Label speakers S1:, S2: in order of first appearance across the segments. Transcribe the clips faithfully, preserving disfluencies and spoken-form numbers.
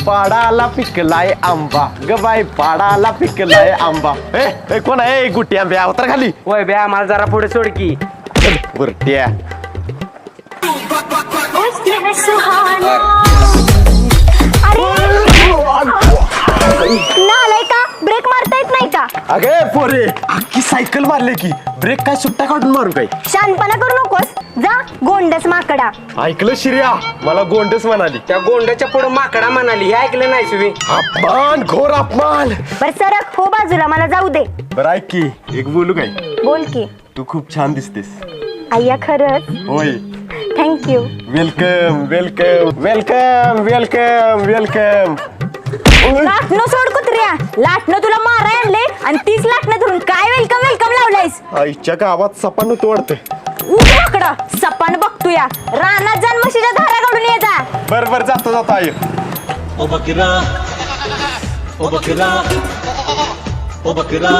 S1: पाडाला पिकलाय आंबा ग बाई पाडाला पिकलाय आंबा. ए ए, कोण आहे गुट्टी आंब्या उतर खाली.
S2: होय बे आम्हाला जरा पुढे सोड की.
S1: बुरट्या
S3: नालाय का ब्रेक मारता येत नाही का?
S1: अगे पोरे अख्खी सायकल मारले की ब्रेक काय सुट्टा काढून मारू काय?
S3: शानपणा करू नकोस जा गोंडस माकडा.
S1: ऐकलं शिर्या मला गोंडस म्हणाली.
S2: त्या गोंड्याच्या पुढे माकडा म्हणाली हे ऐकलं नाही तुम्ही?
S1: अपमान घोर अपमान.
S3: बर सरक हो बाजूला मला जाऊ दे.
S1: बरं ऐक की एक बोलू काय?
S3: बोल की.
S1: तू खूप छान दिसतेस.
S3: अय्या खरंच
S1: होय.
S3: Thank you.
S1: Welcome welcome welcome welcome welcome.
S3: लाटणं सोड कुत्र्या लाटणं तुला माराय आणले आणि तीच लाटणं धरून काय वेलकम वेलकम लावलायस.
S1: आईच्या गावात सपान होतो वाटतं.
S3: उठ माकडं सपान बघतोया रानात जाण म्हशीच्या धारा काढून ये जा.
S1: बर बर जातो जातो आई.
S4: ओ बकरा ओ बकरा ओ बकरा.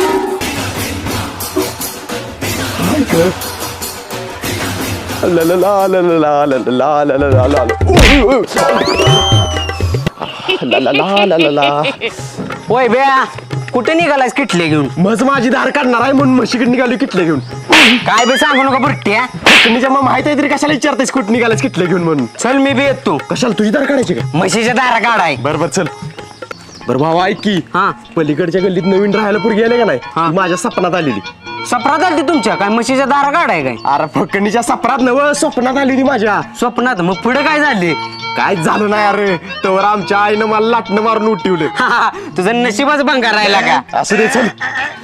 S1: ला ला ला ला ला ला ला ला ला ला ला ला ला ला ला ला ला.
S2: होय बे कुठे निघालायस किटले घेऊन?
S1: मज माझी धार काढणार आहे म्हणून म्हशीकडे निघाली किटले घेऊन.
S2: काय बे सांगू नका बुरट्या.
S1: तुझ्या मग माहित आहे तरी कशाला विचारतेस कुठे निघालास किटले घेऊन म्हणून.
S2: चल मी बी येतो.
S1: कशाला तुझी धार काढायची का?
S2: म्हशीच्या दारा काढाय.
S1: बर बर चल. बर भावा ऐक की
S2: हा.
S1: पलीकडच्या गल्लीत नवीन राहायला पुरगी आले का नाही
S2: हा.
S1: ती माझ्या सपनात आलेली.
S2: सपनात आली तुमच्या काय म्हशीच्या दारा काढाय काय?
S1: अरे फकणीच्या सपनात नव स्वप्नात आली ती माझ्या.
S2: स्वप्नात मग पुढे काय झाले?
S1: काय झालं नाही अरे तवर आमच्या आईनं मला लाटणं मारून उठवलं.
S2: तुझं नशीबच भंगार राहिला का?
S1: असं दे चल.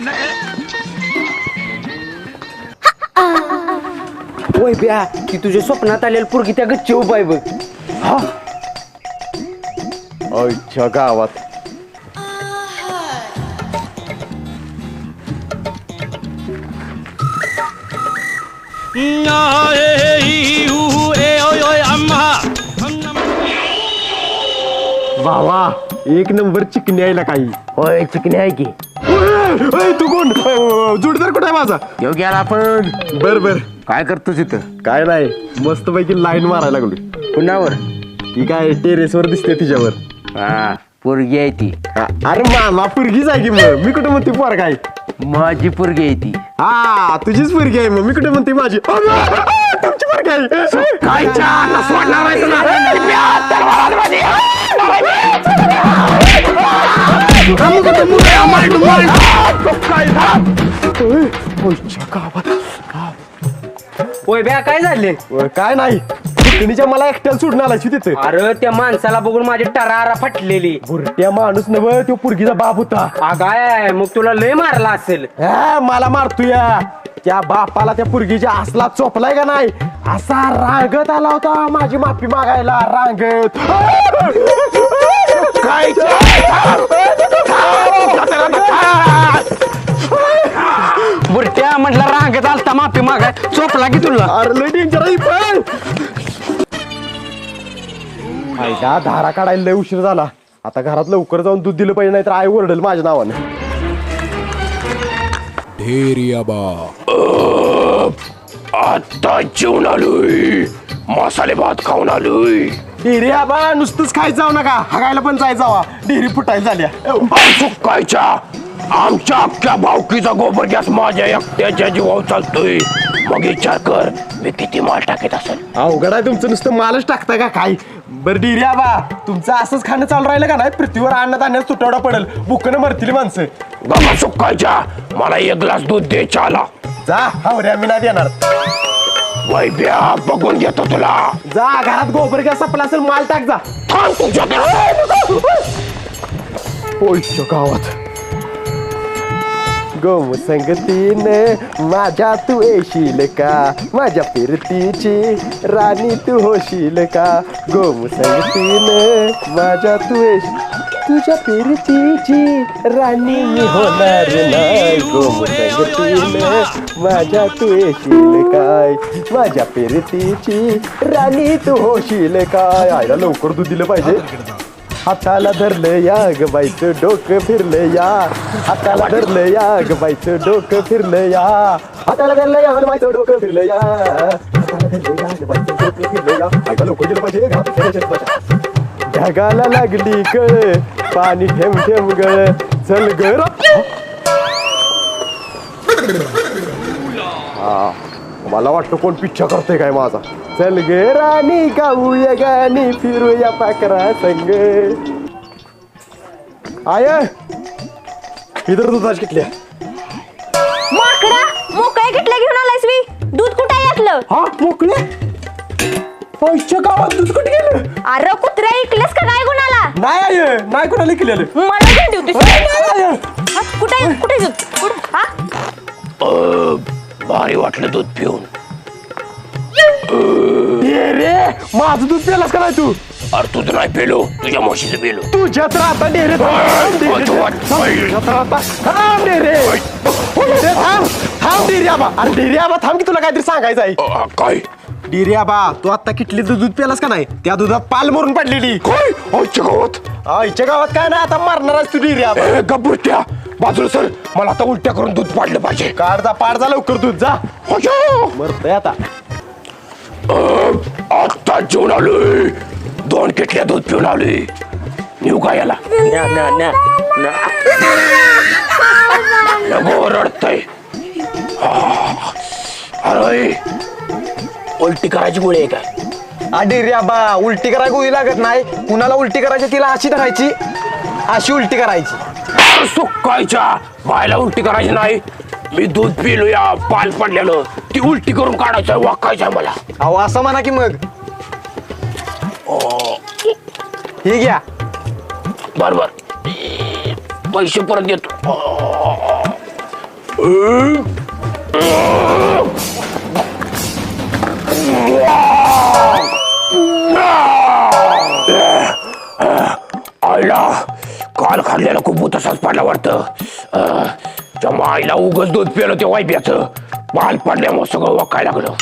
S2: होय ब्या की तुझ्या स्वप्नात आलेली पोरगी त्या गच्ची उभा आहे बघ.
S1: आईच्या गावात भावा एक नंबर चिकनी आहे काही.
S2: होय चिकणी आहे की.
S1: ओय, तू कोण अ, जोडीदार कुठे आहे माझा?
S2: येऊ गेला आपण.
S1: बर बर
S2: काय करतो तिथं?
S1: काय नाही मस्त पैकी लाईन मारायला लागलो.
S2: कुणावर?
S1: ती काय टेरेस वर दिसते तिच्यावर.
S2: हा पोरगी आहे ती.
S1: हा, अरे मामा पुरगीच आहे की मग मी कुठे म्हणते पोर काय?
S2: माझी पोरगी आहे ती.
S1: हा तुझीच पुरगी आहे मग मी कुठे म्हणते माझी. तुमची पोरगी आहे.
S2: काय होय ब्या काय झाले?
S1: अ, काय नाही फुकणीच्या मला एकट्याला सोडून आलायची तिथे.
S2: अरे त्या माणसाला बघून माझी टरारा फाटलेली.
S1: बुरट्या माणूस नव तो पुरगीचा बाप होता.
S2: अगाय मग तुला लय मारला असेल.
S1: हा, मला मारतोया त्या बापाला त्या पुरगीच्या असला चोपलाय का नाही असा रांगत आला होता माझी माफी मागायला रांगत. काय
S2: बुरट्या म्हटलं रांगत आलता माफी मागाय चोपला की तुला.
S1: अरे डेंजर आहे पण फायदा धारा काढायला लय उशीर झाला. आता घरात लवकर जाऊन दूध दिलं पाहिजे नाही तर आई ओरडेल माझ्या नावानं.
S5: आता जेवण आलोय मसाले भात खाऊन आलोय.
S1: डेरी आबा नुसतंच खायचं जाऊ नका हागायला पण जायचं हवा डेरी फुटायला झाल्या.
S5: सुकायच्या आमच्या अख्ख्या भावकीचा गोबर गॅस माझ्या एकट्याच्या जीवावर चालतोय. मग विचार कर मी किती माल टाकीत असेल.
S1: अवघड आहे तुमचं नुसतं मालच टाकता का काय? बरं डेरी आबा तुमचं असंच खाणं चालू राहिलं का नाही पृथ्वीवर अन्नधान्यात तुटवडा पडेल बुकनं मरतील माणसं.
S5: बाबा सुकायच्या मला एक ग्लास दूध दे चाला.
S1: जा हावऱ्या मी नाही देणार.
S5: वैभ्या बघून घेतो तुला.
S1: जा घरात गोबर गॅस संपला असेल माल टाक जा.
S5: थांब तुझ्या
S1: ओळच्या गावात गोम संगतीने माझ्या तू येशील का माझ्या फिरतीची राणी तू होशील का. गोम संगतीने माझ्या तू येशील तुझ्या फिरतीची राणी मी होणार नाही. गोम संगतीने माझ्या तू येशील काय माझ्या फिरतीची राणी तू होशील काय. आयला लवकर तू दिलं पाहिजे. हाताला धरलं या ग बाईचं डोकं फिरलं या हाताला धरलं या ग बाईचं डोकं फिरलं या हाताला धरलं या ग बाईचं डोकं फिरलं या हाताला धरलं या ग बाईचं डोकं फिरलं या. ऐका लवकर गेलं पाहिजे ढगाला लागली कळ पाणी ठेम ठेम गळ चल गर हा मला वाटतं कोण पिच्छा करतोय काय माझा चल ग राणी गाऊया गाणी फिरूया पाकरा संग आय इधर दुधाच किटल्या
S3: माकडा मोकळ्या किटल्या घेऊन आलायस मी दूध कुठे आहे यातलं
S1: हा मोकळे पैशच्या गावात दूध कुठे गेलं
S3: अरे कुत्र्या ऐकलंस का काय गुणाला
S1: नाही आय नाही कोणाला केलेलं
S3: मला घेऊन देऊ कुठे आहे? कुठे आहे दूध कुठं? हा
S5: अ, भारी वाटलं दूध पिऊन.
S1: ये रे माझं दूध प्यालास का नाही तू
S5: अरे तुझं नाही पेलो तुझ्या म्हशीचं पेलो.
S1: तुझ्या तर आता डेरे थांब डेरे थांब थांब डेरे आबा अरे डेरे आबा थांब की तुला काहीतरी सांगायचं आहे
S5: अ, काय
S1: डेरे आबा तू आता किटलीचं दूध प्यालास का नाही त्या दुधात पाल मरून पडलेली
S5: काय आजच्या गावात
S1: आईच्या गावात काय नाही आता मारणारच तू डेरे आबा
S5: ए, गब्बुरट्या बाजूला सर मला आता उलट्या करून दूध पाडलं पाहिजे.
S1: काढ पाड जा लवकर दूध जा
S5: अय्यो!
S1: मरतय आता
S5: आता जेवण आलोय दोन किटल्या दूध पिऊन आलोय नेऊ का याला लगो रडतय अरे उलटी करायची गोळी आहे काय
S1: डेरे आबा उलटी करायला गोळी लागत नाही कुणाला उलटी करायची तिला अशी धरायची अशी उलटी करायची
S5: सुकायच्या बायला उलटी करायची नाही मी दूध पिलो या पाल पडलेलं ती उलटी करून काढायचं वाकायचं मला.
S1: अहो असं म्हणा की मग हे घ्या
S5: बर बर पैसे परत देतो. आईला काल खाल्लेला खूप तसाच पाडला वाटतं. त्या आईला उगच दूध पिलं ते वायब्याचं पाल पडल्यामुळे सगळं वाकायला लागलं.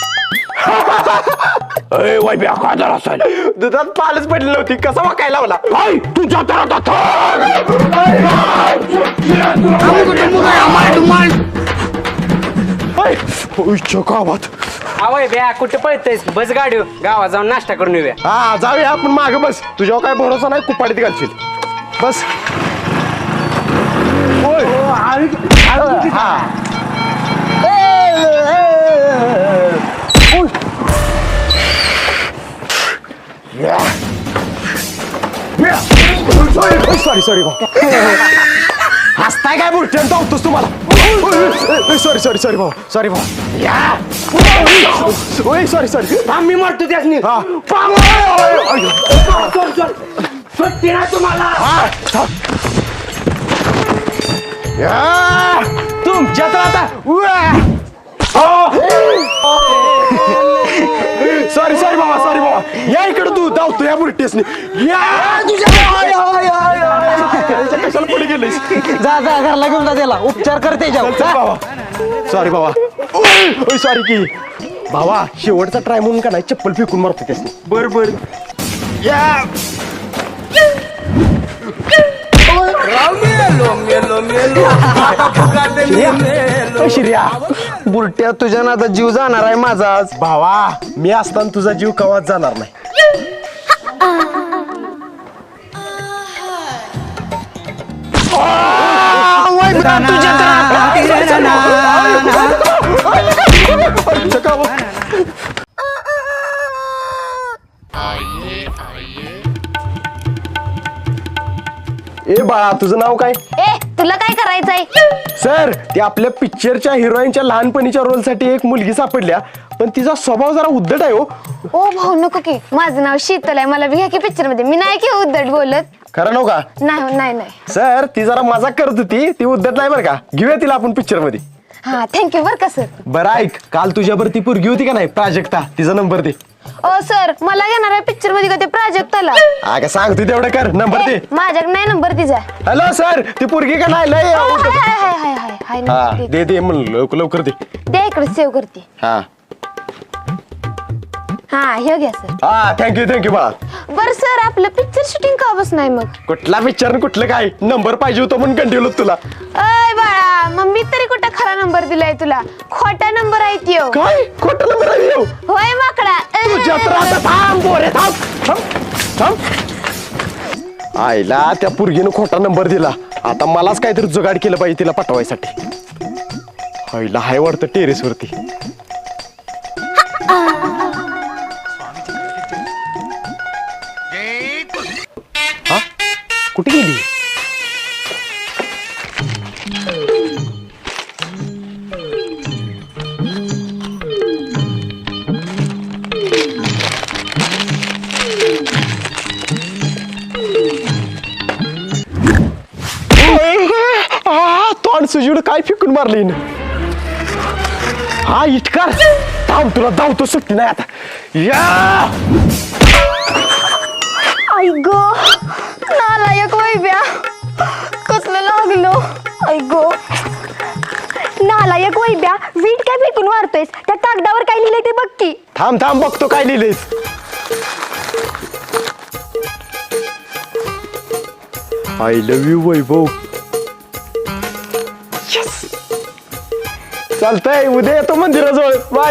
S5: ए वायब्या काय झाला असायला
S1: दुधात पालच पडली नव्हती कसा वाकायला लावला
S5: काय तुझ्या तर आता गावात
S2: आवय ब्या कुठे पळतेस बस गाडी गावात जाऊन नाश्ता करून येऊया.
S1: हा जाऊया आपण माग बस तुझ्यावर काय भरोसा नाही कुपाडीत घालशील बस होय. हा. उय. सॉरी सॉरी हसताय काय बोलते धावतोस तुम्हाला सॉरी सॉरी सॉरी भाऊ सॉरी भाऊ सॉरी सॉरी
S2: मी मारतो त्यासनी
S1: हा
S2: तुम्हाला
S1: तुमच्या तर आता सॉरी सॉरी बाबा सॉरी बाबा या इकडे तू धावतो या बुरटेसनी कशाला पुढे गेलीस
S2: जा जा घरला घेऊन जा त्याला उपचार करते
S1: बाबा सॉरी बाबा सॉरी की भावा शेवटचा ट्राय म्हणून का नाही चप्पल फेकून मारतो त्यासनी बर बर या श्रिया
S2: बुलट्या तुझ्या नादा जीव जाणार आहे माझा आज.
S1: भावा मी असताना तुझा जीव कवाच जाणार नाही ए बाळा तुझं नाव काय
S3: ए तुला काय करायचंय
S1: सर ते आपल्या पिक्चरच्या हिरोईनच्या लहानपणीच्या रोलसाठी एक मुलगी सापडल्या पण तिचा स्वभाव जरा उद्धट आहे हो
S6: ओ भाऊ नको की माझं नाव शीतल आहे मला बी घ्या की पिक्चर मध्ये मी नाही की उद्धट बोलत
S1: खरं नव्ह का
S6: नाही हो, नाही नाही
S1: सर ती जरा मजाक करत होती ती उद्धट नाही बरं का घेऊया तिला आपण पिक्चर मध्ये
S6: हा थँक्यू बर का सर
S1: बरं ऐक काल तुझ्यावर ती पोरगी होती का नाही प्राजक्ता तिचा नंबर दे
S6: ओ सर मला घेणार आहे पिक्चर मध्ये का ते प्राजक्ताला
S1: अगं सांग तू तेवढं कर नंबर दे
S6: माझ्याकडे नाही नंबर तिचा
S1: हॅलो सर ती पोरगी का नाही लय
S6: ओ, हाय हाय हाय हाय हाय हाय
S1: हा
S6: नंबर दे.
S1: दे दे म्हणलं लवकर लवकर दे
S6: दे इकडे सेव्ह करते
S1: हा
S6: हा हे घ्या सर
S1: हा थँक्यू थँक्यू बाळा
S6: बर सर आपलं पिक्चर शूटिंग का बस नाही मग
S1: कुठला पिक्चर कुठलं काय नंबर पाहिजे होता म्हणून कंटिन्यू तुला
S6: अय बाळा मग मी तरी कुठं खरा नंबर दिलाय तुला खोटा नंबर आहे त्यो
S1: काय खोटा नंबर आहे येऊ
S6: होय माकडा अ.
S1: तुझ्या तर आता थांब बोरे थांब थांब थांब आईला त्या पुरगीनं खोटा नंबर दिला. आता मलाच काहीतरी जुगाड केलं पाहिजे तिला पटवायसाठी. आईला हाय वाटतं टेरेस वरती. हा कुठे गेली? तोंड सुजीड काय फिकून मारली हिनं. हा इटकार थांब तुला धावतो सुट्टी नाही आता. या
S3: आई ग नालायक वैब्या कसलं लागलो. आई ग नालायक वैब्या वीट काय फेकून मारतोयस? त्या कागदावर काय लिहिलंय ते बघ की.
S1: थांब थांब बघतो काय लिहिलंयस. I love you Vaibhav. चालतंय उद्या येतो मंदिराजवळ. बाय.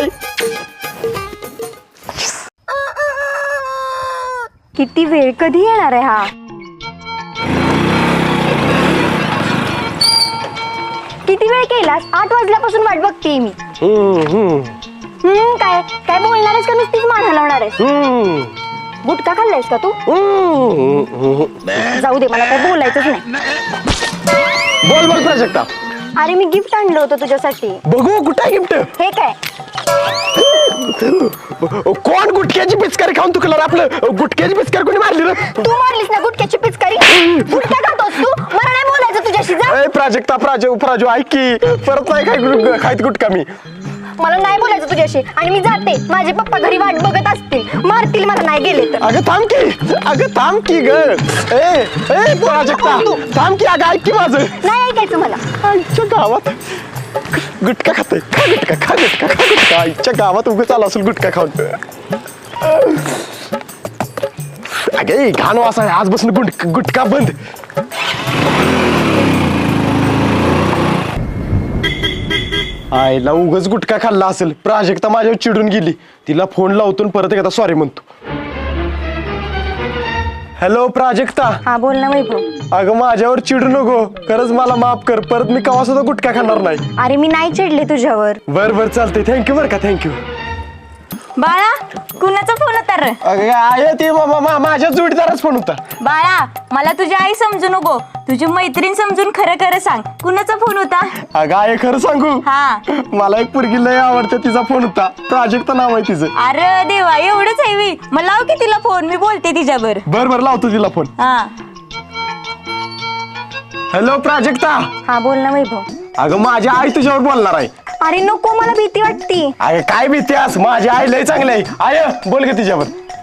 S3: किती वेळ कधी येणार आहे हा? किती वेळ केलास? आठ वाजल्यापासून वाट बघते मी.
S1: हम्म हम्म
S3: हम्म काय काय बोलणार आहेस का नुसतीच मान हलवणार आहेस?
S1: हम्म
S3: गुटखा खाल्लायस का तू?
S1: हम्म.
S3: जाऊ दे मला काय बोलायचंच नाही.
S1: बोल बोल प्राजक्ता.
S3: अरे मी गिफ्ट आणलं होतं तुझ्यासाठी.
S1: बघू कुठे आहे गिफ्ट?
S3: हे काय?
S1: कोण गुटख्याची पिचकारी खाऊन तुकला आपलं? गुटख्याची पिचकारी कोणी मारली रे?
S3: तू मारलीस ना गुटक्याची पिचकारी. गुटखा खातोस तू? मला नाही बोलायचं तुझ्याशी. जा.
S1: ए प्राजक्ता प्राजू प्राजू ऐक की परत नाही काय खायत गुटखा मी.
S3: मला नाही बोलायचं तुझ्याशी आणि मी जाते. माझे पप्पा घरी वाट बघत असतील, मारतील मला नाही गेले तर.
S1: अगं थांब की अगं थांब की ग. ए ए प्राजक्ता थांब की अगं ऐक की माझं.
S3: नाही ऐकायचं मला.
S1: आईच्या गावात गुटखा खातोय. खा गुटखा खा गुटखा खा गुटखा. आईच्या गावात उभं चालू असेल गुटखा खाऊन. अगे घाण वास आहे आजपासून गुट गुटखा बंद. आईला उगच गुटखा खाल्ला असेल. प्राजक्ता माझ्यावर चिडून गेली. तिला फोन लावतो आणि परत एकदा सॉरी म्हणतो. हॅलो प्राजक्ता.
S3: हा बोल ना वैभव.
S1: अगं माझ्यावर चिडू नको. खरंच मला माफ कर. परत मी कवा सुद्धा गुटखा खाणार नाही.
S3: अरे मी नाही चिडले तुझ्यावर.
S1: बर बर चालतंय. थँक्यू बर का. थँक्यू.
S3: बाळा कुणाचा फोन होता रे?
S1: अगं आहे ते मा- मा- माझ्या जोडीदारच फोन होता.
S3: बाळा मला तुझी आई समजू नको, तुझी मैत्रीण समजून खरं खरं सांग कुणाचा फोन होता?
S1: अगं आहे खरं सांगू.
S3: हा.
S1: मला एक पोरगी लय आवडते. तिचा फोन होता. प्राजक्ता नाव आहे तिचं.
S3: अरे देवा एवढंच आहे मी. मग लाव की तिला फोन, मी बोलते तिच्यावर.
S1: बर बर लावतो तिला फोन.
S3: हा.
S1: हॅलो प्राजक्ता.
S3: हा बोल ना वैभव.
S1: अगं माझी आई तुझ्यावर बोलणार आहे.
S3: अरे नको मला भीती वाटती.
S1: अगं काय भीतीस? माझी आई लय चांगली आहे. आय बोल ग तिच्यावर.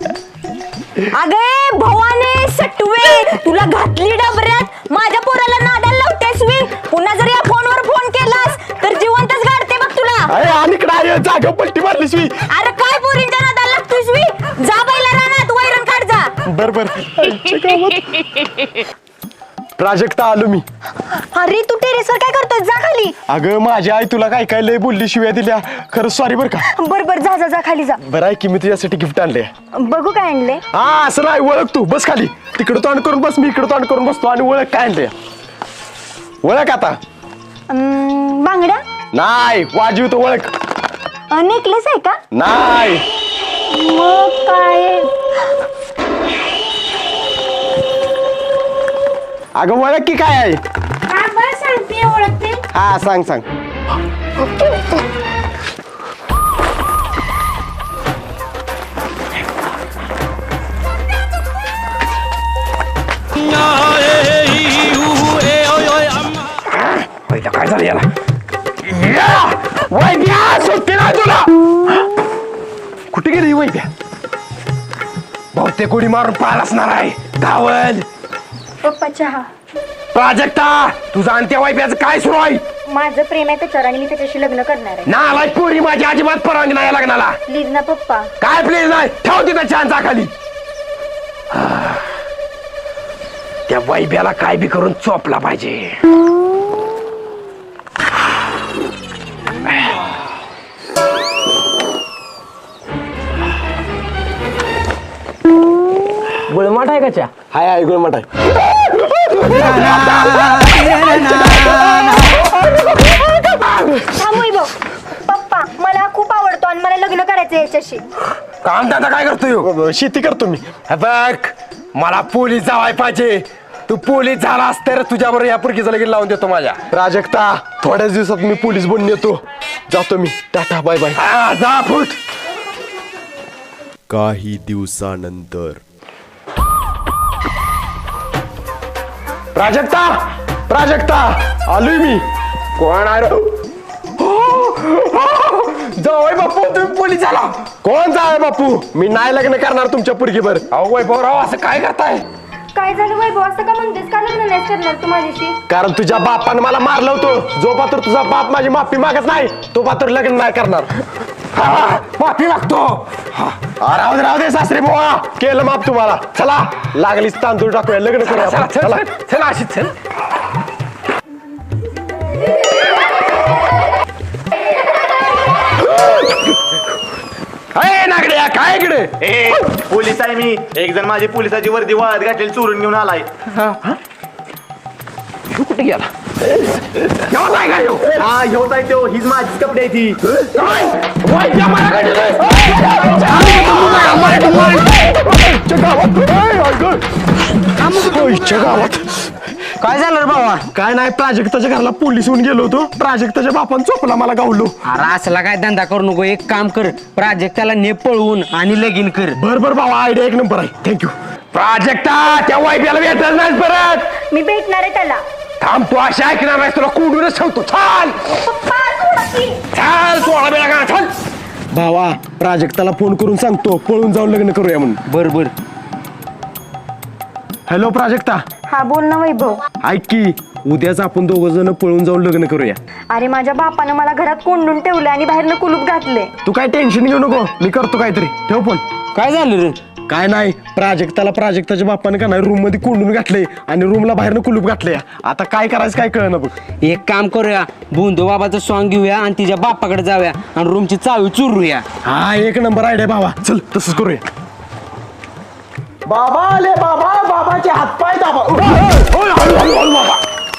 S3: अगे भवाने सटवे तुला घातली डबऱ्यात. माझ्या पोराला नादाला लावतेस मी. पुन्हा जर या फोनवर फोन केलास तर जिवंतच गाडते बघ तुला.
S1: अरे आणि इकडे आहे जागा पलटी मारलीस मी.
S3: अरे काय पोरींच्या नादाला लागतोस मी? जा बैला रानात वैरण काढ जा.
S1: बर बर. प्राजक्ता आलो मी.
S3: अरे तू टेरेसवर काय करतोय? जा खाली.
S1: अगं माझी आई तुला काय काय लय बोलली, शिव्या दिल्या. खरंच सॉरी बर का.
S3: बर बर जा जा जा खाली जा.
S1: बरं आहे की मी तुझ्यासाठी गिफ्ट आणले.
S3: बघू काय आणले.
S1: हा असं नाही ओळख तू. बस खाली. तिकडं तोंड करून बस. मी इकडं तोंड करून बसतो. आणि ओळख काय आणले. ओळख आता.
S3: अं, बांगड्या
S1: नाही वाजवी तो ओळख.
S3: नेकलेस आहे का?
S1: नाही.
S3: मग काय?
S1: अगं ओळख की काय आहे.
S3: सांगते ओळखते.
S1: हा सांग सांग. काय झालं याला? वैद्या सुट्टी नाही तुला. कुठे गेली वैद्या? बहुतेक कोणी मारून पार असणार आहे. धावल.
S3: पप्पा चहा.
S1: प्राजक्ता तुझा अंत्या वैद्याचं काय सुरू आहे?
S3: माझं प्रेम आहे त्याच्यावर आणि मी त्याच्याशी लग्न करणार आहे.
S1: नालाय पोरी माझी अजिबात परवानगी नाही लग्नाला.
S3: प्लीज ना पप्पा.
S1: काय प्लीज नाही? ठेव तिथं छानचा खाली. त्या वैभ्याला काय बी करून चोपला पाहिजे.
S2: गुळमाट आहे का चा?
S1: हाय हाय गुळमट आहे.
S3: थांब वैभव. पप्पा मला खूप आवडतो आणि मला लग्न करायचं याच्याशी.
S5: काम दादा काय करतोय?
S1: शेती करतो मी. बघ मला पोलीस जावाय पाहिजे. तू पोलीस झालास तर तुझ्याबरोबर या पुरकीचं लगीन लावून देतो माझ्या. प्राजक्ता थोड्याच दिवसात मी पोलीस बनून येतो. जातो मी. Tata bye bye.
S5: जा फुट.
S7: काही दिवसानंतर
S1: प्राजक्ता प्राजक्ता आलोय मी.
S5: कोण आहे रे?
S1: जावय बापू तुम्ही पोलीस झाला. कोण जावय बापू? मी नाही लग्न करणार तुमच्या पुरगीवर.
S5: अहो वैभवराव असं काय करताय?
S3: काय झालं वैभव असं का म्हणतेस? का लग्न नाही करणार तू माझ्याशी?
S1: कारण तुझ्या बापानं मला मारलं होतं. जो पात्र तुझा बाप माझी माफी मागत नाही तो पात्र लग्न नाही करणार.
S5: हा, माफी मागतो.
S1: हा, राहू दे राहू दे सासरे बुवा. केलं माफ तुम्हाला. चला लागलीच तांदूळ टाकूया लग्न करूया
S5: चला
S1: आपण.
S5: चल
S1: चला.
S5: चल, चल अशी चल. अय नागड्या काय इकडे?
S8: ए पोलीस आहे मी. एक जण माझी पोलिसाची वर्दी वाळत घातलेली चोरून घेऊन आलाय.
S5: कुठे गेला? केव्हा नाही काय ह्यो?
S8: हा ह्योच आहे तो. हीच माझीच कपडे आहे ती.
S5: काय? वय त्या माराकडे जाय.
S1: गावात
S2: काय झालं रे बाबा?
S1: काय नाही प्राजक्ताच्या घराला पोलीस होऊन गेलो होतो. प्राजक्ताच्या बापान चोपला मला गावलो.
S2: अरे असला काय धंदा करू नको. एक काम कर, प्राजक्ताला ने पळवून आणि लगीन कर.
S1: बर बर बाबा आयडिया एक नंबर आहे. थँक्यू.
S5: प्राजक्ता त्या वाईफ्याला भेटत नाही परत.
S3: मी भेटणार आहे त्याला.
S5: थांब तू अशा ऐकणार नाहीस तुला कोंडूनच ठेवतो. चाल
S3: पप्पा सोडा की.
S5: चाल सोळा बेला का चाल.
S1: भावा प्राजक्ताला फोन करून सांगतो पळून जाऊन लग्न करूया म्हणून.
S2: बर बर.
S1: हॅलो प्राजक्ता.
S3: हा बोल ना वैभव.
S1: ऐक की उद्याच आपण दोघ जण पळून जाऊन लग्न करूया.
S3: अरे माझ्या बापानं मला घरात कोंडून ठेवलं आणि बाहेरनं कुलूप घातले.
S1: तू काय टेन्शन घेऊ नको. मी करतो काहीतरी. ठेव फोन.
S2: काय झालं रे?
S1: काय नाही प्राजक्ताला प्राजक्ताच्या बापाने का नाही रूम मध्ये कोंडून घातले आणि रूमला बाहेरनं कुलूप घातले. आता काय करायचं काय कळना बघ.
S2: एक काम करूया, बुंदो बाबाचं सॉंग घेऊया आणि तिच्या बापाकडे जाऊया आणि रूमची चावी चुरूया.
S1: हा एक नंबर आयडिया भावा. चल तसंच करूया. बाबा आले बाबा. बाबाचे हातपाय दाबा.
S5: ओय, हळू हळू हळू बाबा.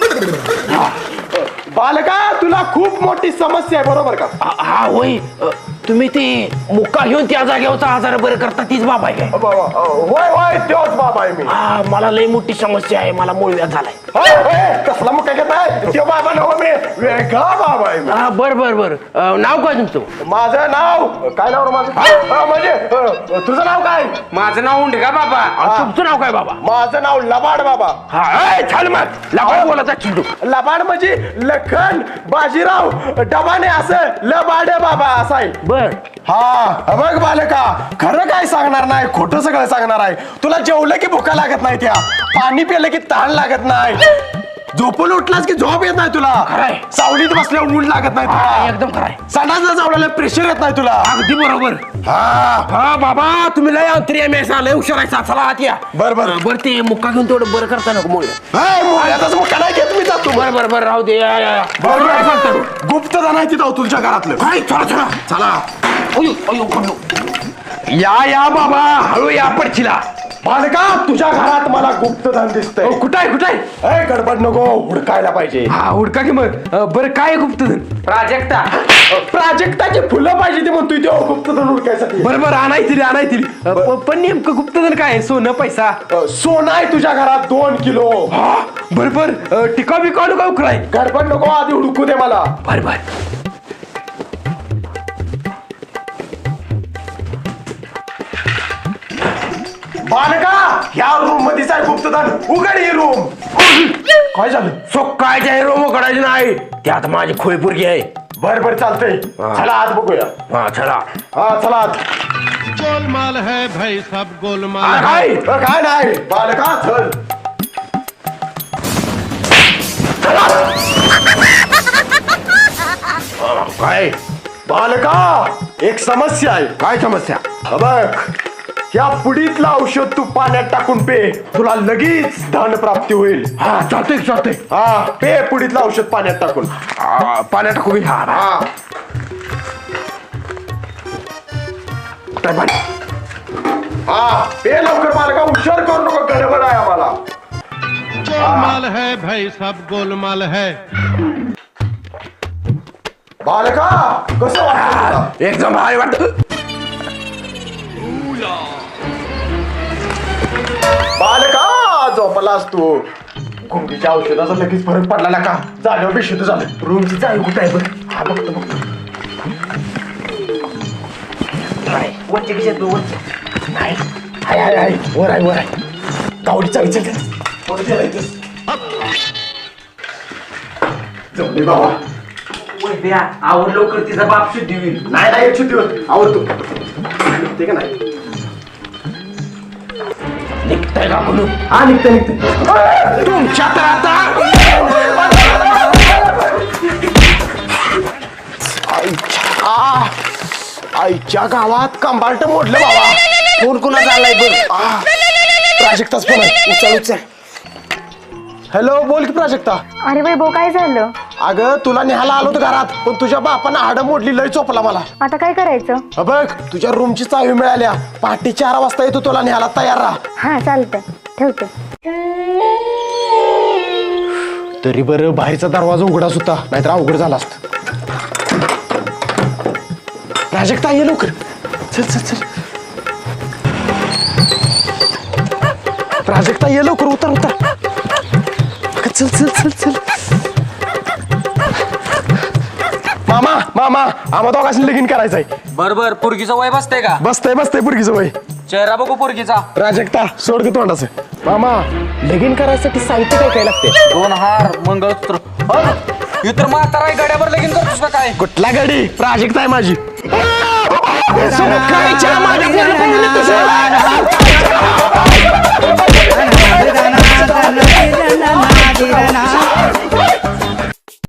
S1: बालका तुला खूप मोठी समस्या आहे बरोबर का?
S5: हा हा, होय. अ, तुम्ही ते मुक्का घेऊन त्या जागेवरचा आजार बरं करता तीच बाबा आहे काय?
S1: बाबा होय होय तोच बाबा आहे मी.
S5: हा मला लई मोठी समस्या आहे. मला मूळव्याध झालाय.
S1: होय, होय, कसला मग काय घेताय? तो बाबा नव्ह मी वेगळा बाबा आहे मी.
S5: हा बर बर बर. अ, नाव काय तुमचं?
S1: माझं नाव काय नाव रे माझं? हा, म्हणजे अ, तुझं नाव काय?
S2: माझं नाव उंडका बाबा.
S5: आणि तुमचं नाव काय बाबा?
S1: माझं नाव लबाड बाबा.
S5: हा छान मग लबाड बोलायचा चिंटू.
S1: लबाड म्हणजे लखन बाजीराव डबाने असं लबाड बाबा असं आहे.
S5: बर
S1: हा बघ बालका खरं काय सांगणार नाही खोटं सगळं सांगणार आहे. तुला जेवलं की भुका लागत नाही, त्या पाणी पिलं की तहान लागत नाही, झोपून उठलास की झोप येत नाही तुला,
S5: खरंय.
S1: सावलीत बसल्यावर ऊन लागत नाही
S5: हा,
S1: तुला,
S5: एकदम खरंय.
S1: संडासला जावल्याला प्रेशर येत नाही तुला.
S5: अगदी बरोबर.
S1: हा
S5: हा बाबा तुम्ही लय अंतरी मेस लय हुशार आहे. चला आत या.
S1: बर बर
S5: बर ते मुक्का घेऊन तेवढं बरं करता नको मुळे.
S1: मुळ्यातच मग काय घेत मी जातो.
S5: बर बर बर राहू दे. या, या, या.
S1: बरोबर
S5: काय सांगतो?
S1: गुप्त जाणार जाऊ तुमच्या घरातलं.
S5: काय चला चला
S1: चला
S5: अयो अयो अयो. या या बाबा हळू या पडचिला.
S1: बालका तुझ्या घरात मला गुप्तधन दिसतंय.
S5: कुठं आहे कुठं आहे?
S1: ए गडबड नको हुडकायला पाहिजे.
S5: हा हुडका की मग. अ, बरं काय गुप्तधन?
S2: प्राजक्ता.
S1: प्राजक्ताची फुलं पाहिजे ते म्हणतोय तो गुप्तधन हुडकायसाठी.
S5: बरं बरं आणायची आणायची. पण नेमकं गुप्तधन काय आहे? सोनं पैसा?
S1: अ, सोनं आहे तुझ्या घरात दोन किलो.
S5: हा बर बर. अ, टिका बिका नको उकराय.
S1: गडबड नको आधी हुडकू दे मला.
S5: बर बर.
S1: बालका ह्या रूम मध्येच आहे गुप्तधन. उघड ही रूम. काय झालं?
S5: सो काय जे रोम उकडायचे नाही त्यात माझी खोय पुरगी आहे.
S1: बर बर चालतंय. चला आत बघूया.
S5: हा चला.
S1: हा चला आत.
S7: गोलमाल है भाई सब गोलमाल
S5: हा,
S7: है.
S5: काय
S1: अ, काय नाही बालका चल.
S5: हा, काय
S1: बालका एक समस्या आहे.
S5: काय समस्या?
S1: हा बघ या पुडीतलं औषध तू पाण्यात टाकून पे, तुला लगेच धन प्राप्ती होईल.
S5: हा चालतंय चालतंय.
S1: हा पे पुडीतलं औषध पाण्यात टाकून.
S5: आ, पाण्यात टाकू मी. हा हा.
S1: हा
S5: काय पाणी?
S1: हा पे लवकर बालका हुशार करू नको गडबड आहे आम्हाला
S7: गोलमाल है भाई सब गोलमाल है
S1: बालका कसं वाटतं
S5: एकदम भारी वाटत
S1: बालका झोपलास तू गुंगीच्या औषधाचा लगेच फरक पडला ना का जागेवर बेशुद्ध झालं रूमची जाळी कुठे आहे बघ हा बघतो बघतो नाही हाय हाय हाय वर आहे वर आहे गावडी चावी चल जमले बाबा
S2: आवड लवकर तिचा बाप शुद्धी होईल.
S1: नाही नाही एक शुद्धी होत आवडतो निघते का नाही
S5: निघताय का म्हणून
S1: हा निघते निघते
S5: तुमच्या तर आता
S1: आ, आईच्या गावात कंबाल्ट मोडलं बाबा कोण कोणाचा आलाय बघ आ, प्राजक्ताच पण आहे उचल उचल हॅलो बोल की प्राजक्ता
S3: अरे वैभव काय झालं
S1: अगं तुला न्यायला आलो होतो घरात पण तुझ्या बापानं हाडं मोडली लय चोपला मला
S3: आता काय करायचं
S1: हा बघ तुझ्या रूमची चावी मिळाल्या पहाटे चार वाजता येतो तुला न्यायला तयार राहा
S3: हा चालतंय ठेवते
S1: तरी बरं बाहेरचा दरवाजा उघडाच होता नाहीतर अवघड झाला असत प्राजक्ता ये लवकर चल चल चल प्राजक्ता ये लवकर उतर उतर अगं, चल चल चल चल मामा मामा आम्हा दोघांनी लगीन करायचंय
S2: बर बर पोरगीचं वय बसतंय का
S1: बसतंय बसतंय पुरगीचं वय
S2: चेहरा बघू पोरगीचा.
S1: प्राजक्ता सोड ग तोंडाचं मामा लगीन करायसाठी साहित्य काय काय लागते
S2: दोन हार मंगळसूत्र हे तर म्हातारा आहे, गड्यावर लगीन करतोस का काय?
S1: कुठला गाडी प्राजक्ता आहे माझी
S5: सुखायच्या माझ्या